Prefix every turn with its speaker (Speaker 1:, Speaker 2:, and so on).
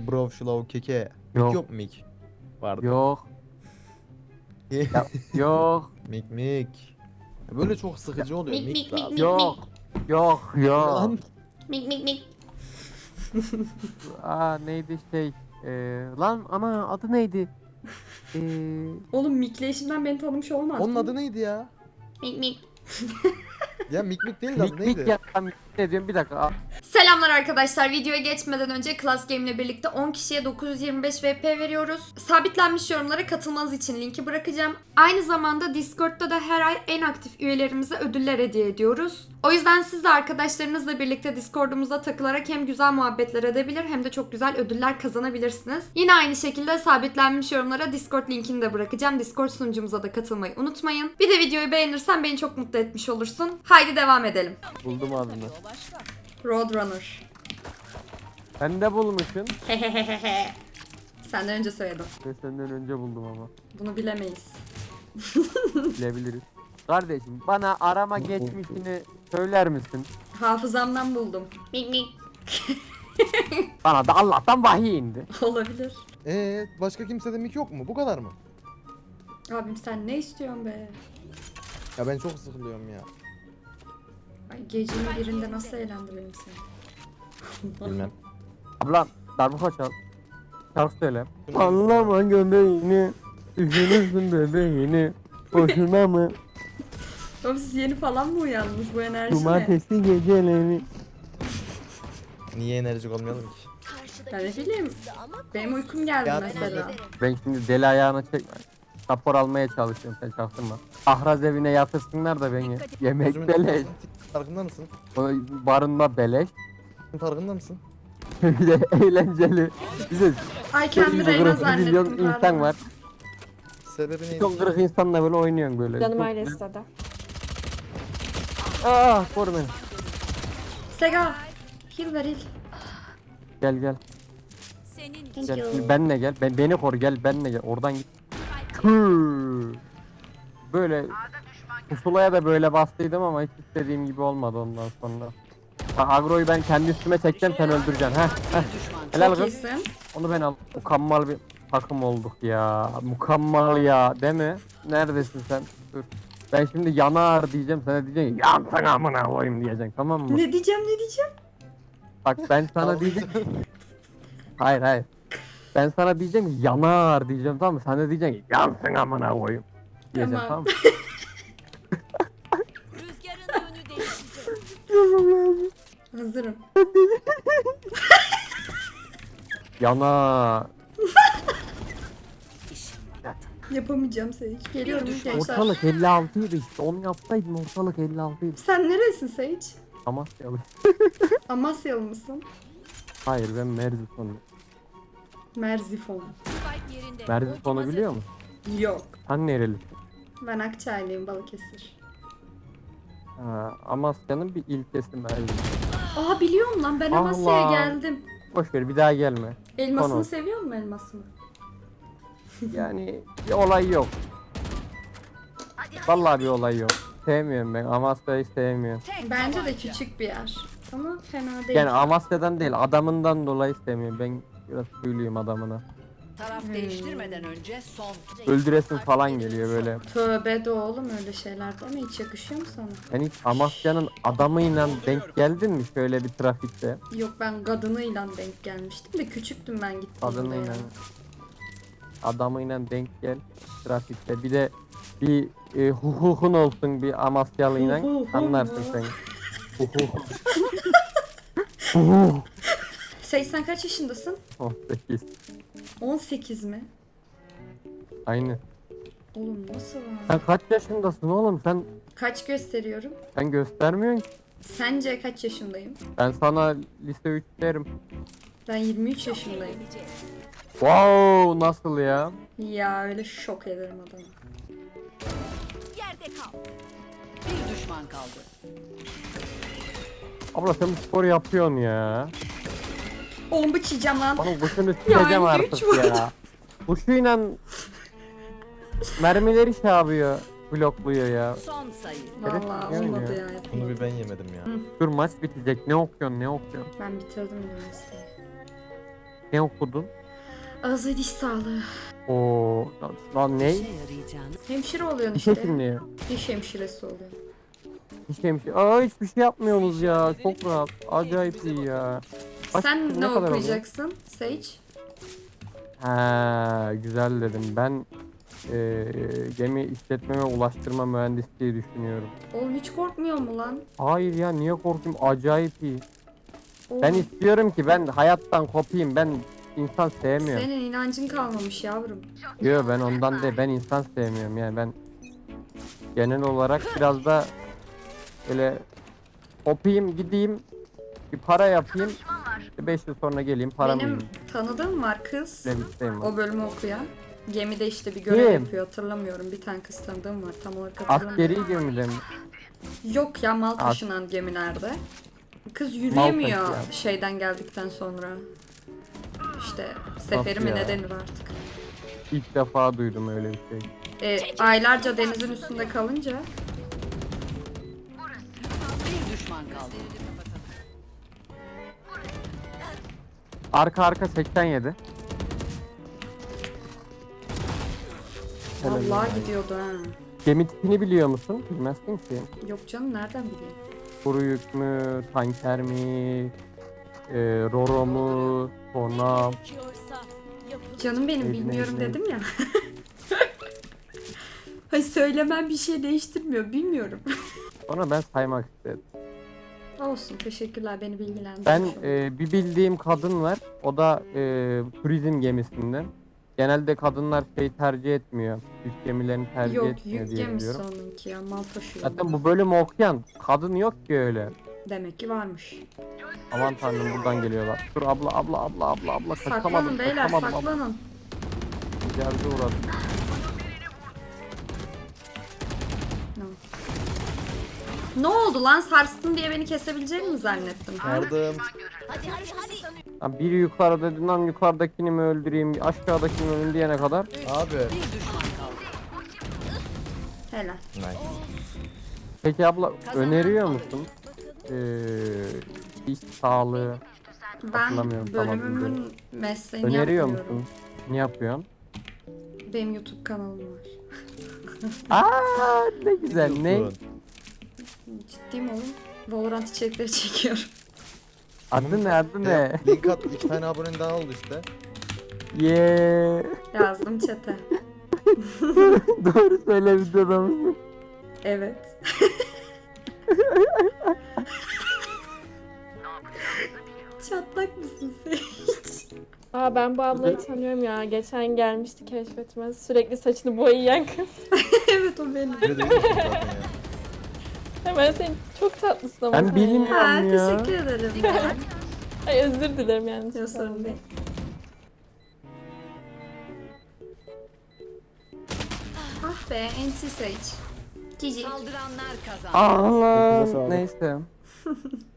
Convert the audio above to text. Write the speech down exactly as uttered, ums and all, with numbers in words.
Speaker 1: Brov, şulav, keke.
Speaker 2: Yok.
Speaker 1: Mik yok mu mik? Vardı.
Speaker 2: Yok. Ya, yok.
Speaker 1: Mik mik. Böyle çok sıkıcı oluyor.
Speaker 3: Mik,
Speaker 1: Mik,
Speaker 3: mik, mik,
Speaker 1: lazım.
Speaker 3: mik.
Speaker 2: Yok. Yok. Yok.
Speaker 1: Lan.
Speaker 3: Mik mik mik.
Speaker 2: Aa neydi şey. Ee, lan ana adı neydi? Ee,
Speaker 3: Oğlum mikleyişimden beni tanımış olmaz.
Speaker 1: Onun adı neydi ya?
Speaker 3: Mik mik.
Speaker 1: Ya mik mik değil de adı
Speaker 2: mik mik
Speaker 1: neydi?
Speaker 2: ya. Ben ne diyorum bir dakika. Aa,
Speaker 3: Selamlar arkadaşlar. Videoya geçmeden önce Class Game ile birlikte on kişiye dokuz yüz yirmi beş V P veriyoruz. Sabitlenmiş yorumlara katılmanız için linki bırakacağım. Aynı zamanda Discord'da da her ay en aktif üyelerimize ödüller hediye ediyoruz. O yüzden siz de arkadaşlarınızla birlikte Discord'umuzda takılarak hem güzel muhabbetler edebilir hem de çok güzel ödüller kazanabilirsiniz. Yine aynı şekilde sabitlenmiş yorumlara Discord linkini de bırakacağım. Discord sunucumuza da katılmayı unutmayın. Bir de videoyu beğenirsen beni çok mutlu etmiş olursun. Haydi devam edelim.
Speaker 2: buldum adını.
Speaker 3: Roadrunner.
Speaker 2: Sen de bulmuşsun.
Speaker 3: Hehehehe. Senden önce söyledim.
Speaker 2: Ve senden önce buldum ama.
Speaker 3: Bunu bilemeyiz.
Speaker 2: Bilebiliriz. Kardeşim bana arama geçmişini söyler misin?
Speaker 3: Hafızamdan buldum. Mik mik.
Speaker 2: Bana da Allah'tan vahiy indi.
Speaker 3: Olabilir.
Speaker 1: Ee, başka kimsede mik yok mu? Bu kadar mı?
Speaker 3: Abim sen ne istiyorsun be?
Speaker 1: Ya ben çok sıkılıyorum ya.
Speaker 3: Ay gecenin birinde nasıl eğlendirelim seni?
Speaker 1: Bilmem.
Speaker 2: Ablam darbuka çal. Şarkı söyle. Anlama göbeğini, üzülürsün bebeğini. Boşuna mı?
Speaker 3: Oğlum siz yeni falan mı uyandınız bu enerji ne?
Speaker 2: Cumartesi geceleri.
Speaker 1: Niye enerjik olmayalım ki?
Speaker 3: Ben ne bileyim. Benim uykum geldi
Speaker 1: Ya-
Speaker 3: mesela.
Speaker 2: Ben şimdi deli ayağına çekme. Rapor almaya çalışıyorum sen çaktırma. Ahraz evine yatırsınlar da beni. Yemek
Speaker 1: Gözümün
Speaker 2: beleş.
Speaker 1: içindesın. Farkında mısın?
Speaker 2: o Barınma beleş.
Speaker 1: Farkında mısın?
Speaker 2: Bir de eğlenceli. Bize
Speaker 3: Ay kendimi Reyna zannettim.
Speaker 2: milyon
Speaker 3: pardon.
Speaker 2: insan var.
Speaker 1: Sebebi neydi?
Speaker 2: Çok kırık insanla böyle oynuyorsun böyle.
Speaker 3: Canım
Speaker 2: Çok-
Speaker 3: aile istedi.
Speaker 2: Ah koru beni.
Speaker 3: Sega. Heal ver heal.
Speaker 2: Gel gel.
Speaker 3: Thank
Speaker 2: Gel
Speaker 3: you.
Speaker 2: şimdi benle gel. Ben beni koru gel benle gel. Oradan git. Tüh. Böyle pusulaya da böyle bastıydım ama hiç istediğim gibi olmadı ondan sonra. Ha, agroyu ben kendi üstüme çekeceğim sen öldüreceksin. Heh, heh. Helal
Speaker 3: Çok
Speaker 2: kız.
Speaker 3: iyisin.
Speaker 2: Onu ben al. Mükemmel bir takım olduk ya. Mükemmel ya değil mi? Neredesin sen? Dur. Ben şimdi yanar diyeceğim sana diyeceksin ki yansın amına koyayım diyeceksin tamam mı?
Speaker 3: Ne diyeceğim ne diyeceğim?
Speaker 2: Bak ben sana diyeceğim. Hayır hayır. Ben sana diyeceğim ki yanar diyeceğim tamam mı? Sen de diyeceksin ki yansın amına koyayım. Diyeceğim
Speaker 3: Tamam.
Speaker 2: tamam mı?
Speaker 4: Rüzgarın yönü değişecek.
Speaker 3: Hazırım.
Speaker 2: Yanar.
Speaker 3: Yapamayacağım Sage. Geliyorum gençler.
Speaker 2: Ortalık elli altıydı işte. Onu yapsaydın ortalık elli altıydı.
Speaker 3: Sen neresin Sage?
Speaker 2: Amasyalı.
Speaker 3: Amasyalı mısın?
Speaker 2: Hayır ben Merzifon'um.
Speaker 3: Merzifon.
Speaker 4: Spike yerinde.
Speaker 2: Merzifon'u
Speaker 4: Ultim
Speaker 2: biliyor musun?
Speaker 3: Yok.
Speaker 2: Sen nerelisin?
Speaker 3: Ben Akçaylıyım Balıkesir.
Speaker 2: Ha, Amasya'nın bir ilçesi Merzifon.
Speaker 3: Aa biliyorum lan ben
Speaker 2: Allah.
Speaker 3: Amasya'ya geldim.
Speaker 2: Boş ver bir daha gelme.
Speaker 3: Elmasını
Speaker 2: Konu.
Speaker 3: seviyor musun elmasını?
Speaker 2: Yani bir olay yok. Vallahi bir olay yok. Sevmiyorum ben. Amasya'yı sevmiyorum.
Speaker 3: Bence de küçük bir yer. Ama fena değil.
Speaker 2: Yani Amasya'dan değil adamından dolayı sevmiyorum. Ben biraz büyülüyüm adamına.
Speaker 5: Taraf
Speaker 3: Hmm.
Speaker 5: değiştirmeden önce son.
Speaker 2: Öldüresin falan geliyor böyle.
Speaker 3: Tövbe de oğlum öyle şeyler deme hiç yakışıyor mu sana?
Speaker 2: Yani hiç Amasya'nın adamıyla denk geldin mi şöyle bir trafikte?
Speaker 3: Yok ben kadınıyla denk gelmiştim de küçüktüm ben gittiğimde
Speaker 2: Kadınıyla
Speaker 3: yani.
Speaker 2: adamıyla denk gel trafikte. Bir de bir e, hukukun olsun bir Amasyalıyla
Speaker 3: Hu hu hu
Speaker 2: anlarsın
Speaker 3: mu?
Speaker 2: sen. Hukuk. Hukuk.
Speaker 3: Sage sen kaç yaşındasın?
Speaker 2: on sekiz.
Speaker 3: on sekiz mi?
Speaker 2: Aynı.
Speaker 3: Oğlum nasıl lan?
Speaker 2: Sen kaç yaşındasın oğlum? Sen
Speaker 3: Kaç gösteriyorum?
Speaker 2: sen göstermiyorsun ki.
Speaker 3: Sence kaç yaşındayım?
Speaker 2: Ben sana lise üç derim.
Speaker 3: Ben yirmi üç yaşındayım.
Speaker 2: Wow nasıl ya?
Speaker 3: Ya öyle şok ederim adamı.
Speaker 4: Yerde kal.
Speaker 5: Bir düşman kaldı.
Speaker 2: Abla sen bu sporu yapıyorsun ya.
Speaker 3: Oğlum bıçacağım lan.
Speaker 2: Bana kuşunu sileceğim
Speaker 3: Ya,
Speaker 2: artık
Speaker 3: güç var.
Speaker 2: ya. Kuşuyla mermileri şey yapıyor. Blokluyor ya.
Speaker 5: Son sayı.
Speaker 2: Evet,
Speaker 3: Vallahi
Speaker 2: yani
Speaker 3: olmadı
Speaker 2: ya.
Speaker 3: ya.
Speaker 1: Bunu bir ben yemedim ya.
Speaker 2: Dur maç bitecek. Ne okuyorsun ne okuyorsun?
Speaker 3: Ben bitirdim üniversiteyi.
Speaker 2: Ne okudun?
Speaker 3: Ağız ve diş sağlığı.
Speaker 2: Oo, lan ne?
Speaker 5: İşe yarayacağını
Speaker 3: Hemşire oluyorsun
Speaker 2: Bir şey
Speaker 3: işte.
Speaker 2: şimdi ya.
Speaker 3: Diş hemşiresi oluyor.
Speaker 2: Hiç şey, şey. Aa hiçbir şey yapmıyoruz ya. Çok rahat. Acayip iyi ya. Kaç
Speaker 3: Sen
Speaker 2: kişi,
Speaker 3: ne,
Speaker 2: kadar oluyor?
Speaker 3: okuyacaksın Sage?
Speaker 2: Ha, güzel dedim. Ben e, gemi işletme ve ulaştırma mühendisliği düşünüyorum.
Speaker 3: Oğlum hiç korkmuyor mu lan?
Speaker 2: Hayır ya niye korkayım? Acayip iyi.
Speaker 3: Oğlum,
Speaker 2: Ben istiyorum ki ben hayattan kopayım. Ben insan sevmiyorum.
Speaker 3: senin inancın kalmamış yavrum.
Speaker 2: Yok ben ondan değil. Ben insan sevmiyorum yani ben genel olarak biraz da böyle kopayım gideyim bir para yapayım. beş yıl sonra geleyim paramı
Speaker 3: Benim
Speaker 2: yiyeyim.
Speaker 3: tanıdığım var kız.
Speaker 2: Öyle bir isteğim var.
Speaker 3: O bölümü okuyan. Gemide işte bir görev
Speaker 2: Kim?
Speaker 3: yapıyor hatırlamıyorum. Bir tane kız tanıdığım var tam olarak hatırlamıyorum.
Speaker 2: Askeri gemide mi?
Speaker 3: Yok ya mal
Speaker 2: As-
Speaker 3: taşınan gemilerde. Kız yürüyemiyor
Speaker 2: taşıyan.
Speaker 3: şeyden geldikten sonra. İşte seferi mi
Speaker 2: ya?
Speaker 3: ne denir artık.
Speaker 2: İlk defa duydum öyle bir şey.
Speaker 3: E, aylarca denizin üstünde kalınca
Speaker 5: bir düşman kaldı.
Speaker 2: Arka arka seksen yedi. Helal
Speaker 3: vallahi
Speaker 2: olsun.
Speaker 3: gidiyordu ha.
Speaker 2: Gemi tipini biliyor musun? Bilmezsin ki.
Speaker 3: Yok canım nereden bileyim.
Speaker 2: Kuru yük mü, tanker mi, e, roro mu, tornav.
Speaker 4: Gerekiyorsa yapın.
Speaker 3: Canım benim
Speaker 2: Neydi,
Speaker 3: bilmiyorum
Speaker 2: neydi,
Speaker 3: dedim ya. Hayır söylemem bir şey değiştirmiyor bilmiyorum.
Speaker 2: Sonra ben saymak istedim.
Speaker 3: Olsun teşekkürler beni bilgilendirmiş
Speaker 2: Ben
Speaker 3: oldun.
Speaker 2: e, bir bildiğim kadın var. O da e, turizm gemisinden. Genelde kadınlar şey tercih etmiyor. Yük gemilerini tercih
Speaker 3: Yok
Speaker 2: etmiyor
Speaker 3: yük
Speaker 2: diye
Speaker 3: gemisi
Speaker 2: biliyorum.
Speaker 3: onunki ya mal taşıyor.
Speaker 2: Zaten bu bölümü okuyan kadın yok ki öyle.
Speaker 3: Demek ki varmış.
Speaker 2: Aman tanrım buradan geliyorlar. Dur abla abla abla abla abla kaçamadım.
Speaker 3: Saklanın beyler
Speaker 2: kaçamadım, abla.
Speaker 3: saklanın.
Speaker 2: Geldi uğradım.
Speaker 3: No. Ne oldu lan sarstın diye beni kesebileceğini mi zannettin?
Speaker 1: Yardım.
Speaker 4: Hadi hadi hadi.
Speaker 2: Ha, biri yukarı dedi lan yukarıdakini mi öldüreyim aşağıdakini mi öldüreyim diyene kadar.
Speaker 1: Abi.
Speaker 5: Bir düşman kaldı.
Speaker 3: Helal.
Speaker 1: Nice.
Speaker 2: Peki abla öneriyor musun? Ee, iş sağlığı
Speaker 3: Ben
Speaker 2: Hatırlamıyorum, tamam,
Speaker 3: bölümümün mesleğini
Speaker 2: öneriyor
Speaker 3: yapmıyorum.
Speaker 2: musun? Ne yapıyorsun?
Speaker 3: Benim YouTube kanalım var.
Speaker 2: Aa ne güzel ne?
Speaker 1: Diyorsun.
Speaker 3: Ciddiyim oğlum. Valorant içerikleri çekiyorum.
Speaker 2: Adı ne adı ne?
Speaker 1: Ya, link at iki tane abonen daha oldu işte.
Speaker 2: Yeee.
Speaker 3: Yazdım chat'e.
Speaker 2: Doğru söyle videoda mısın?
Speaker 3: Evet. Çatlak mısın sen?
Speaker 6: Aa ben bu ablayı tanıyorum ya. Geçen gelmişti keşfetime. Sürekli saçını boyayan kız.
Speaker 3: Evet o benim.
Speaker 1: Böyle değil misin zaten ya?
Speaker 6: Hemen sen çok tatlısın ama
Speaker 2: Ben
Speaker 6: sen
Speaker 2: bilmiyorum.
Speaker 6: ya.
Speaker 3: Ha,
Speaker 2: ya.
Speaker 3: teşekkür ederim.
Speaker 6: Ay özür dilerim yani.
Speaker 3: Yok sorun değil. Ah be N T Sage. Cici.
Speaker 5: Saldıranlar kazandı.
Speaker 2: Allah
Speaker 1: Sağlık.
Speaker 2: neyse.